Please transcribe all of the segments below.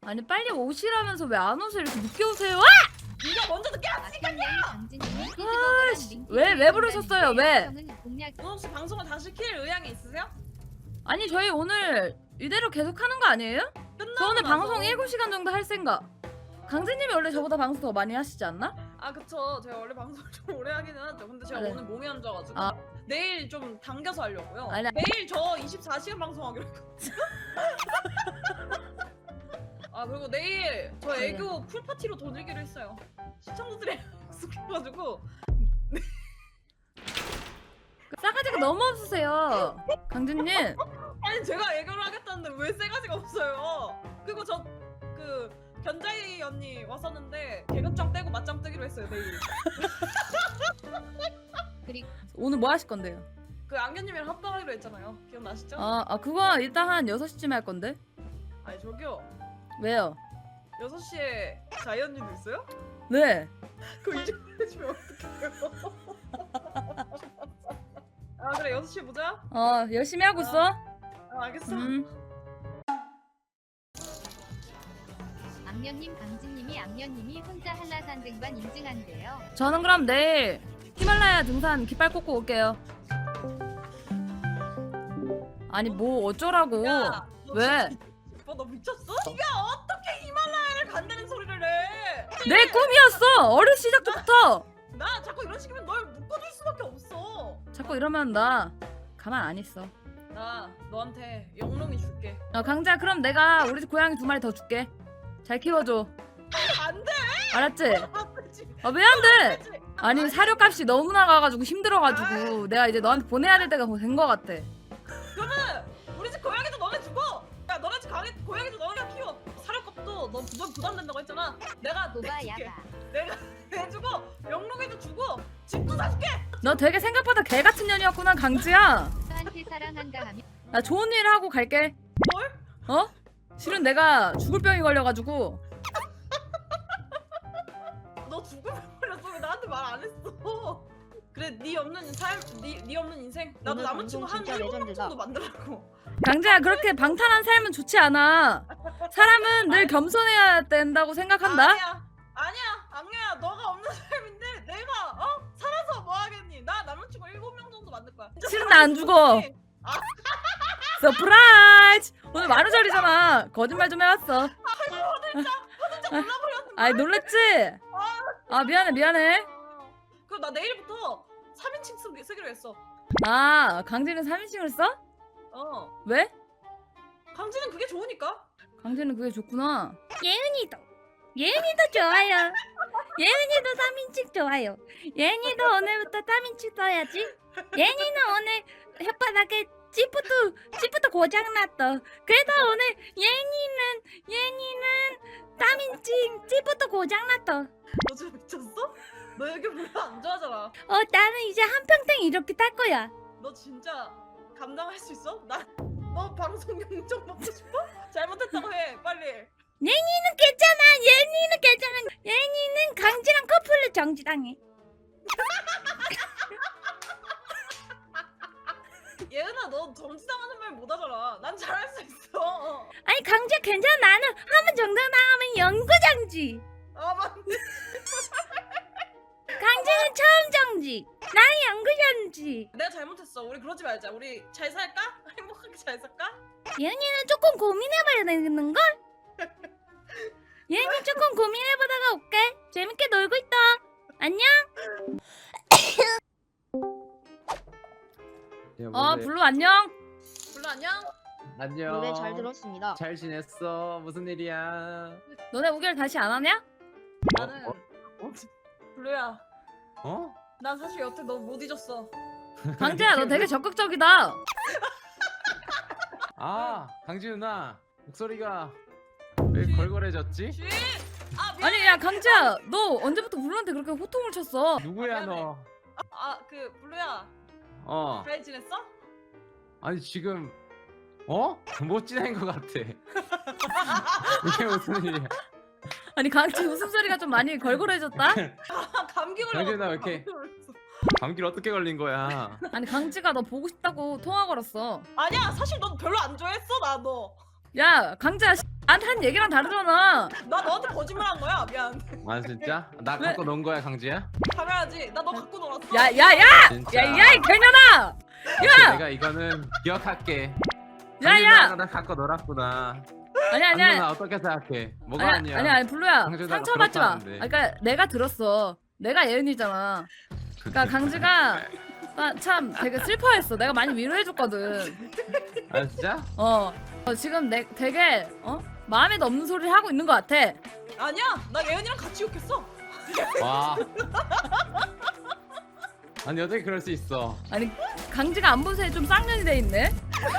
아니 빨리 오시라면서 왜 안 오세요? 이렇게 늦게 오세요? 네가 먼저 늦게 왔으니까. 왜 부르셨어요? 왜? 너 혹시 방송을 다시 킬 의향이 있으세요? 아니 저희 오늘 이대로 계속 하는 거 아니에요? 저 오늘 방송 7시간 정도 할 생각. 강진님이 원래 저보다 방송 더 많이 하시지 않나? 아 그쵸. 제가 원래 방송을 좀 오래 하기는 하죠. 근데 제가 네. 오늘 몸이 안 좋아가지고 아. 내일 좀 당겨서 하려고요. 아니, 내일 저 24시간 방송하기로 했거든요. 아 그리고 내일 저 애교 풀파티로 돌리기로 했어요. 시청자들이 약속해가지고. 싸가지가 너무 없으세요 강진님. 아니 제가 애교를 하겠다는데 왜 세 가지가 없어요. 그리고 저 그 견자이 언니 왔었는데 개그장 떼고 맞짱 뜨기로 했어요 내일. 오늘 뭐 하실 건데요? 그 안견님이랑 합방하기로 했잖아요. 기억나시죠? 그거 이따 한 6시쯤에 할 건데. 아니 저기요. 왜요? 6시에 자이 언니도 있어요? 네. 그거 이제 해주면 어떡해요? 아 그래 6시에 보자. 열심히 하고 있어. 알겠어. 악녀님 강진님이 악녀님이 혼자 한라산 등반 인증한대요. 저는 그럼 내일 히말라야 등산 깃발 꽂고 올게요. 아니 뭐 어쩌라고. 야, 너 왜? 진짜 너 미쳤어? 네가 어떻게 히말라야를 간다는 소리를 해? 내 꿈이었어. 어릴 시작 때부터. 나 자꾸 이런 식이면 널 묶어줄 수밖에 없어. 자꾸 이러면 나 가만 안 있어. 나 너한테 영롱이 줄게. 강자 그럼 내가 우리 집 고양이 2마리 더 줄게. 잘 키워줘. 안 돼. 알았지? 안 되지. 왜 안 돼? 안 되지. 아니 사료값이 너무 나가가지고 힘들어가지고 내가 이제 너한테 보내야 될 때가 된 거 같아. 그러면 우리 집 고양이도 너네 주고, 야 너네 집 고양이도 너네가 키워. 사료값도 너 부담된다고 했잖아. 내가 노바 내줄게. 야바. 내가 내주고 영롱이도 주고 집도 사줄게. 너 되게 생각보다 개 같은 년이었구나 강지야. 저한테 사랑한다 하면 나 좋은 일 하고 갈게. 뭘? 실은 내가 죽을 병이 걸려가지고. 너 죽을 뻔했어. 왜 나한테 말 안 했어? 그래 네 없는 삶, 네 없는 인생. 나도 오늘 남자친구 방송 한 진짜 7명 레전드다. 정도 만들라고. 강지야 그렇게 방탄한 삶은 좋지 않아. 사람은 늘 겸손해야 된다고 생각한다. 아니야 악녀야. 너가 없는 삶인데 내가 살아서 뭐 하겠니? 나 남자친구 7명 정도 만들 거야. 실은 나 안 죽어. 서프라이즈. 오늘 만우절이잖아. 거짓말 좀 해왔어. 진짜 몰라버렸는데. 아이 놀랬지? 미안해. 그럼 나 내일부터 3인칭 쓰기로 했어. 강진은 3인칭을 써? 왜? 강진은 그게 좋으니까. 강진은 그게 좋구나. 예은이도 좋아요. 예은이도 3인칭 좋아요. 예은이도 오늘부터 3인칭 써야지. 예은이는 오늘 혓바닥에 찌부터 고장났어. 그래서 오늘 예은이는 3인칭 찌부터 고장났어. 너 지금 미쳤어? 너 여기 별로 안 좋아하잖아. 나는 이제 한평생 이렇게 살 거야. 너 진짜 감당할 수 있어? 너 방송 영정 먹고 싶어? 잘못했다고 해 빨리. 예은이는 괜찮아. 예은이는 강지랑 커플로 정지당해. 예은아 너 정지당하는 말 못하잖아. 난 잘할 수 있어. 아니 강지야 괜찮아. 나는 한 번 정당당하면 영구정지. 맞네. 강지는 처음 정지. 나는 영구정지. 내가 잘못했어. 우리 그러지 말자. 우리 잘 살까? 행복하게 잘 살까? 예은이는 조금 고민해봐야 되는걸? 예은이 조금 고민해보다가 올게. 재밌게 놀고 있다. 안녕. 블루 안녕. 불러 안녕. 안녕. 노래 잘 들었습니다. 잘 지냈어? 무슨 일이야? 너네 우결 다시 안 하냐? 나는 블루야. 어? 난 사실 여태 너 못 잊었어. 강지야 너 되게 적극적이다. 강지 누나 목소리가 왜 걸걸해졌지? 쥐. 미안해. 아니 야 강지야 너 언제부터 블루한테 그렇게 호통을 쳤어? 누구야 미안해. 너? 그 블루야. 어. 잘 지냈어? 아니 지금 못 지낸 것 같아. 이게 무슨 일이야? 아니 강지 웃음소리가 좀 많이 걸걸해졌다? 감기 걸려. 강진아, 왜 이렇게? 감기를 어떻게 걸린 거야? 아니 강지가 너 보고 싶다고 통화 걸었어. 아니야 사실 넌 별로 안 좋아했어 나 너. 야 강지야 한 얘기랑 다르잖아. 나 너한테 거짓말한 거야. 미안. 아 진짜? 나 왜? 갖고 논 거야 강지야? 당연하지. 나 너 갖고 놀았어. 야야야! 진짜. 야야 이 개년아! 야! 내가 이거는 기억할게. 야야! 나 갖고 놀았구나. 아니야 누나 아니야. 어떻게 생각해? 뭐가 아니야 아니야? 아니 블루야 강제다가 상처받지 마. 그렇다는데. 그러니까 내가 들었어. 내가 예은이잖아. 그러니까 강지가 참 되게 슬퍼했어. 내가 많이 위로해줬거든. 아 진짜? 지금 되게 마음에도 없는 소리를 하고 있는 것 같아. 아니야. 나 예은이랑 같이 욕했어. 와. 아니 어떻게 그럴 수 있어? 아니 강지가 안 본 새에 좀 쌍년이 돼 있네.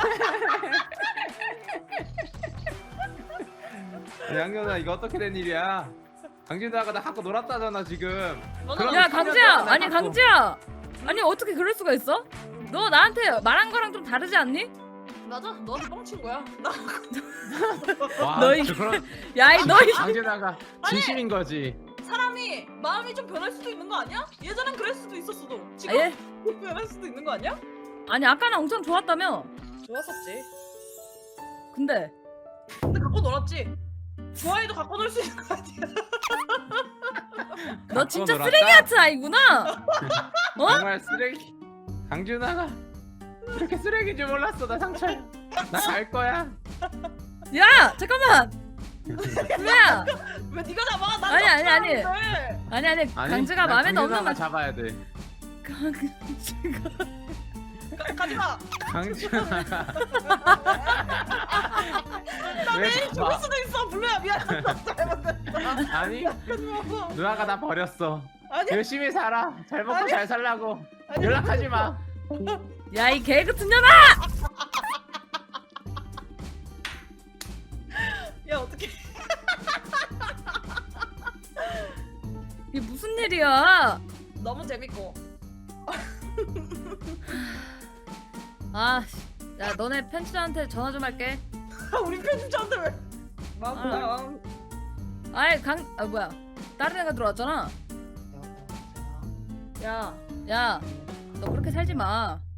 양현아 이거 어떻게 된 일이야? 강진다가 나 갖고 놀았다잖아 지금. 그럼 야 3년 강지야 동안 나 아니 갖고- 강지야 아니 어떻게 그럴 수가 있어? 너 나한테 말한 거랑 좀 다르지 않니? 맞아. 너한테 뻥친 거야. 나 와, 너희- 저 그런 야이 너희 강진아가 진심인 거지. 사람이 마음이 좀 변할 수도 있는 거 아니야? 예전엔 그럴 수도 있었어도. 지금 아예 변할 수도 있는 거 아니야? 아니 아까는 엄청 좋았다며. 좋았었지. 근데 근데 갖고 놀았지. 좋아해도 갖고 놀 수 있는 거 아니야? 너 진짜 놀았다? 쓰레기 같은 아이구나. 정말 쓰레기. 강준아가 이렇게 쓰레기인 줄 몰랐어. 나 상처야. 나 갈 거야. 야 잠깐만. 블루야 왜 네가 잡아? 난 아니, 아니, 아니. 잡았는데. 아니 강지가 나 마음에 없는 강준아가 말. 잡아야 돼. 강지가 가지마. 강준아가 왜 내일 죽을 잡아? 수도 있어. 블루야 미안. 잘못했다. 아니 가지마. 누나가 나 버렸어. 아니 열심히 살아. 잘 먹고 아니. 잘 살라고. 아니. 연락하지 마. 야 이 개 같은 년아. 야 어떡해. 이게 무슨 일이야? 너무 재밌고. 아, 야 너네 편집자한테 전화 좀 할게. 우리 편집자한테 왜? 마음. 아이 뭐야? 다른 애가 들어왔잖아. 야, 너 그렇게 살지 마.